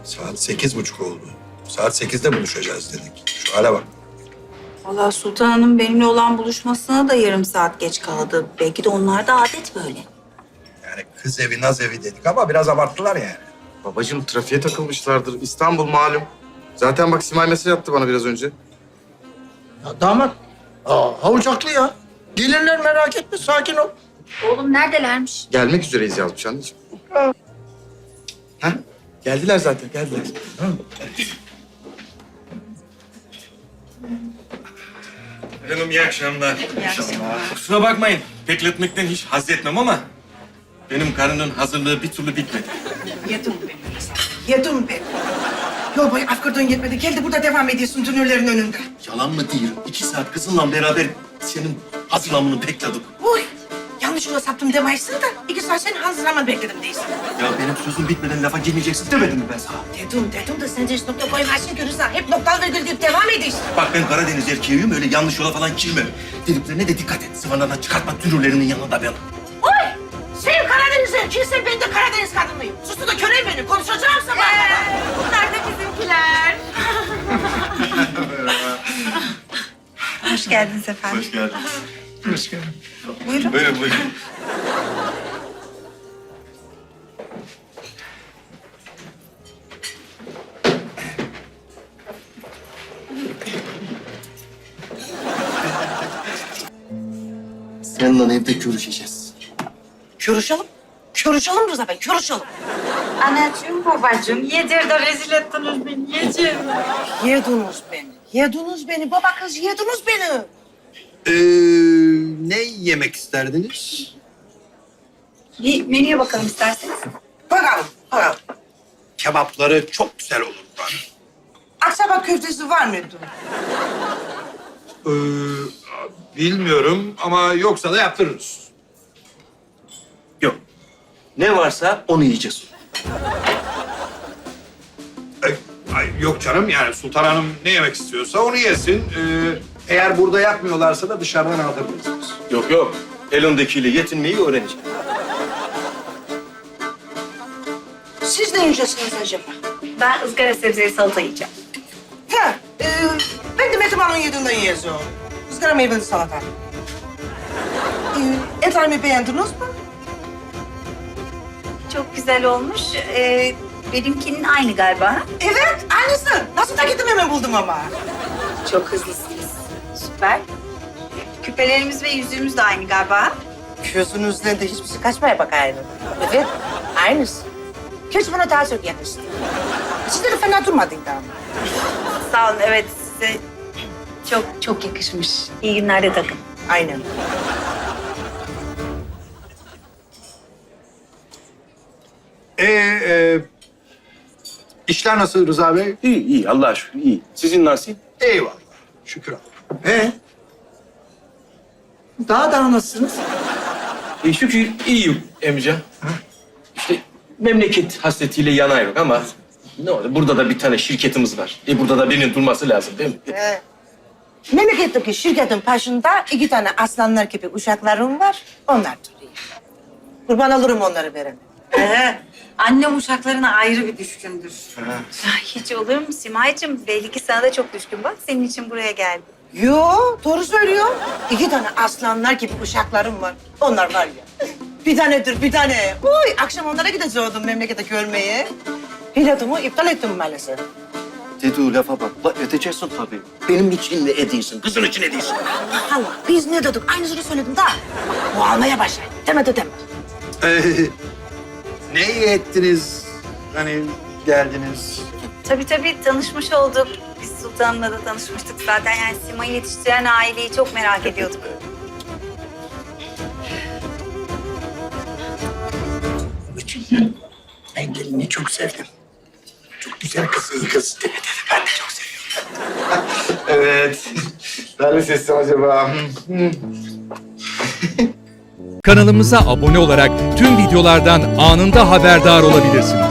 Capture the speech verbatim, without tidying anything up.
Saat sekiz buçuk oldu. Saat sekizde buluşacağız dedik. Şu hale bak. Vallahi Sultan Hanım benimle olan buluşmasına da yarım saat geç kaldı. Belki de onlar da adet böyle. Yani kız evi, naz evi dedik ama biraz abarttılar yani. Babacığım trafiğe takılmışlardır. İstanbul malum. Zaten bak Simay mesaj attı bana biraz önce. Ya damat, aa, havuç haklı ya. Gelirler merak etme, sakin ol. Oğlum neredelermiş? Gelmek üzereyiz yazmış anneciğim. Ha? Geldiler zaten, geldiler. Hanım iyi akşamlar. İyi akşamlar. Kusura bakmayın, bekletmekten hiç haz etmem ama benim karının hazırlığı bir türlü bitmedi. Yedim ben. Yedim ben. Yol boyu Afgır'dan yetmedi. Gel de burada devam ediyorsun dünürlerin önünde. Yalan mı diyorum? İki saat kızınla beraber senin hazırlamını bekledik. Uy, yanlış yola saptım demeysin de iki saat senin hazırlamanı bekledim değilsin. Ya benim sözüm bitmeden lafa girmeyeceksin demedim mi ben sana? Dedim, dedim de sen de hiç nokta koymazsın görürsen. Hep noktalı virgül deyip devam ediyorsun. Bak ben Karadeniz erkeğiyim, öyle yanlış yola falan girmem. Dediklerine de dikkat et. Sıvanadan çıkartma dürürlerinin yanında beni. Uy, sen Karadeniz erkeğisin, ben de Karadeniz kadınıyım. Sustu da köre beni, konuşacağım sabah kadar. Bunlar da bizimkiler. Hoş geldiniz efendim. Hoş geldin. Hoş geldin. Buyurun. Buyurun, buyurun. Seninle evde görüşeceğiz. Görüşelim. Görüşelim Rıza Bey, görüşelim. Anacığım, babacığım yedir de rezil ettiniz beni, yedir. Yediniz beni, yediniz beni. Baba kız yediniz beni. Ee, ne yemek isterdiniz? Bir menüye bakalım isterseniz. Bakalım, bakalım. Kebapları çok güzel olur bana. Aksabat köftesi var mıydı? Ee, bilmiyorum ama yoksa da yaptırırız. Yok. Ne varsa onu yiyeceğiz. Ay, ay, yok canım yani Sultan Hanım ne yemek istiyorsa onu yesin. Ee, eğer burada yapmıyorlarsa da dışarıdan aldırırız biz. Yok yok. Elindekiyle yetinmeyi öğreneceğim. Siz ne yiyeceksiniz acaba? Ben ızgara sebzeli salata yiyeceğim. Ha, e, ben de Metin Hanım'ın yediğinden yiyeceğim. Izgara meyveli salata. E, etlerimi beğendiniz mi? Çok güzel olmuş. Ee, benimkinin aynı galiba. Evet, aynısı. Nasıl da gittim hemen buldum ama. Çok hızlısınız. Süper. Küpelerimiz ve yüzüğümüz de aynı galiba. Gözünüzden de hiçbir şey kaçmaya bak aynı. Evet, aynısı. Keşke bana daha çok yakıştı. Sizde de fena durmadıydı ama. Sağ olun. Evet size çok çok yakışmış. İyi günlerde takın. Aynen. Ee, e, işler nasıl Rıza Bey? İyi iyi Allah'a şükür iyi. Sizin nasıl? Eyvallah. Şükür Allah. Ee? Daha da nasılsınız? E, şükür iyiyim Emre. İşte memleket hasretiyle yanıyorum ama ne oldu? Burada da bir tane şirketimiz var. E burada da birinin durması lazım değil mi? Ee, memleketteki şirketin başında iki tane aslanlar gibi uşaklarım var. Onlar duruyor. Kurban olurum onları verene. Ee, annem uşaklarına ayrı bir düşkündür. Ay, hiç olur mu Simay'cığım? Belli ki sana da çok düşkün. Bak senin için buraya geldi. Yo, doğru söylüyor. İki tane aslanlar gibi uşaklarım var. Onlar var ya. Bir tanedir, bir tane. Uy, akşam onlara gideceğim memlekete görmeye. Biletimi iptal ettim maalesef. Dediği lafa bak. La edeceksin tabii. Benim için ne ediyorsun? Kızın için ediyorsun. Allah, biz ne dedik? Aynısını söyledim daha. Bu almaya başlayın. Demedi deme. Ee, ne iyi ettiniz? Hani geldiniz. Tabii tabii tanışmış olduk. Biz Sultan'la da tanışmıştık zaten. Yani Sima'yı yetiştiren aileyi çok merak ediyorduk. Ben gelini çok sevdim. Çok güzel kız, iyi kız. Dedi, dedi. Ben de çok seviyorum. Evet. Ben mi seçsem acaba? Kanalımıza abone olarak tüm videolardan anında haberdar olabilirsiniz.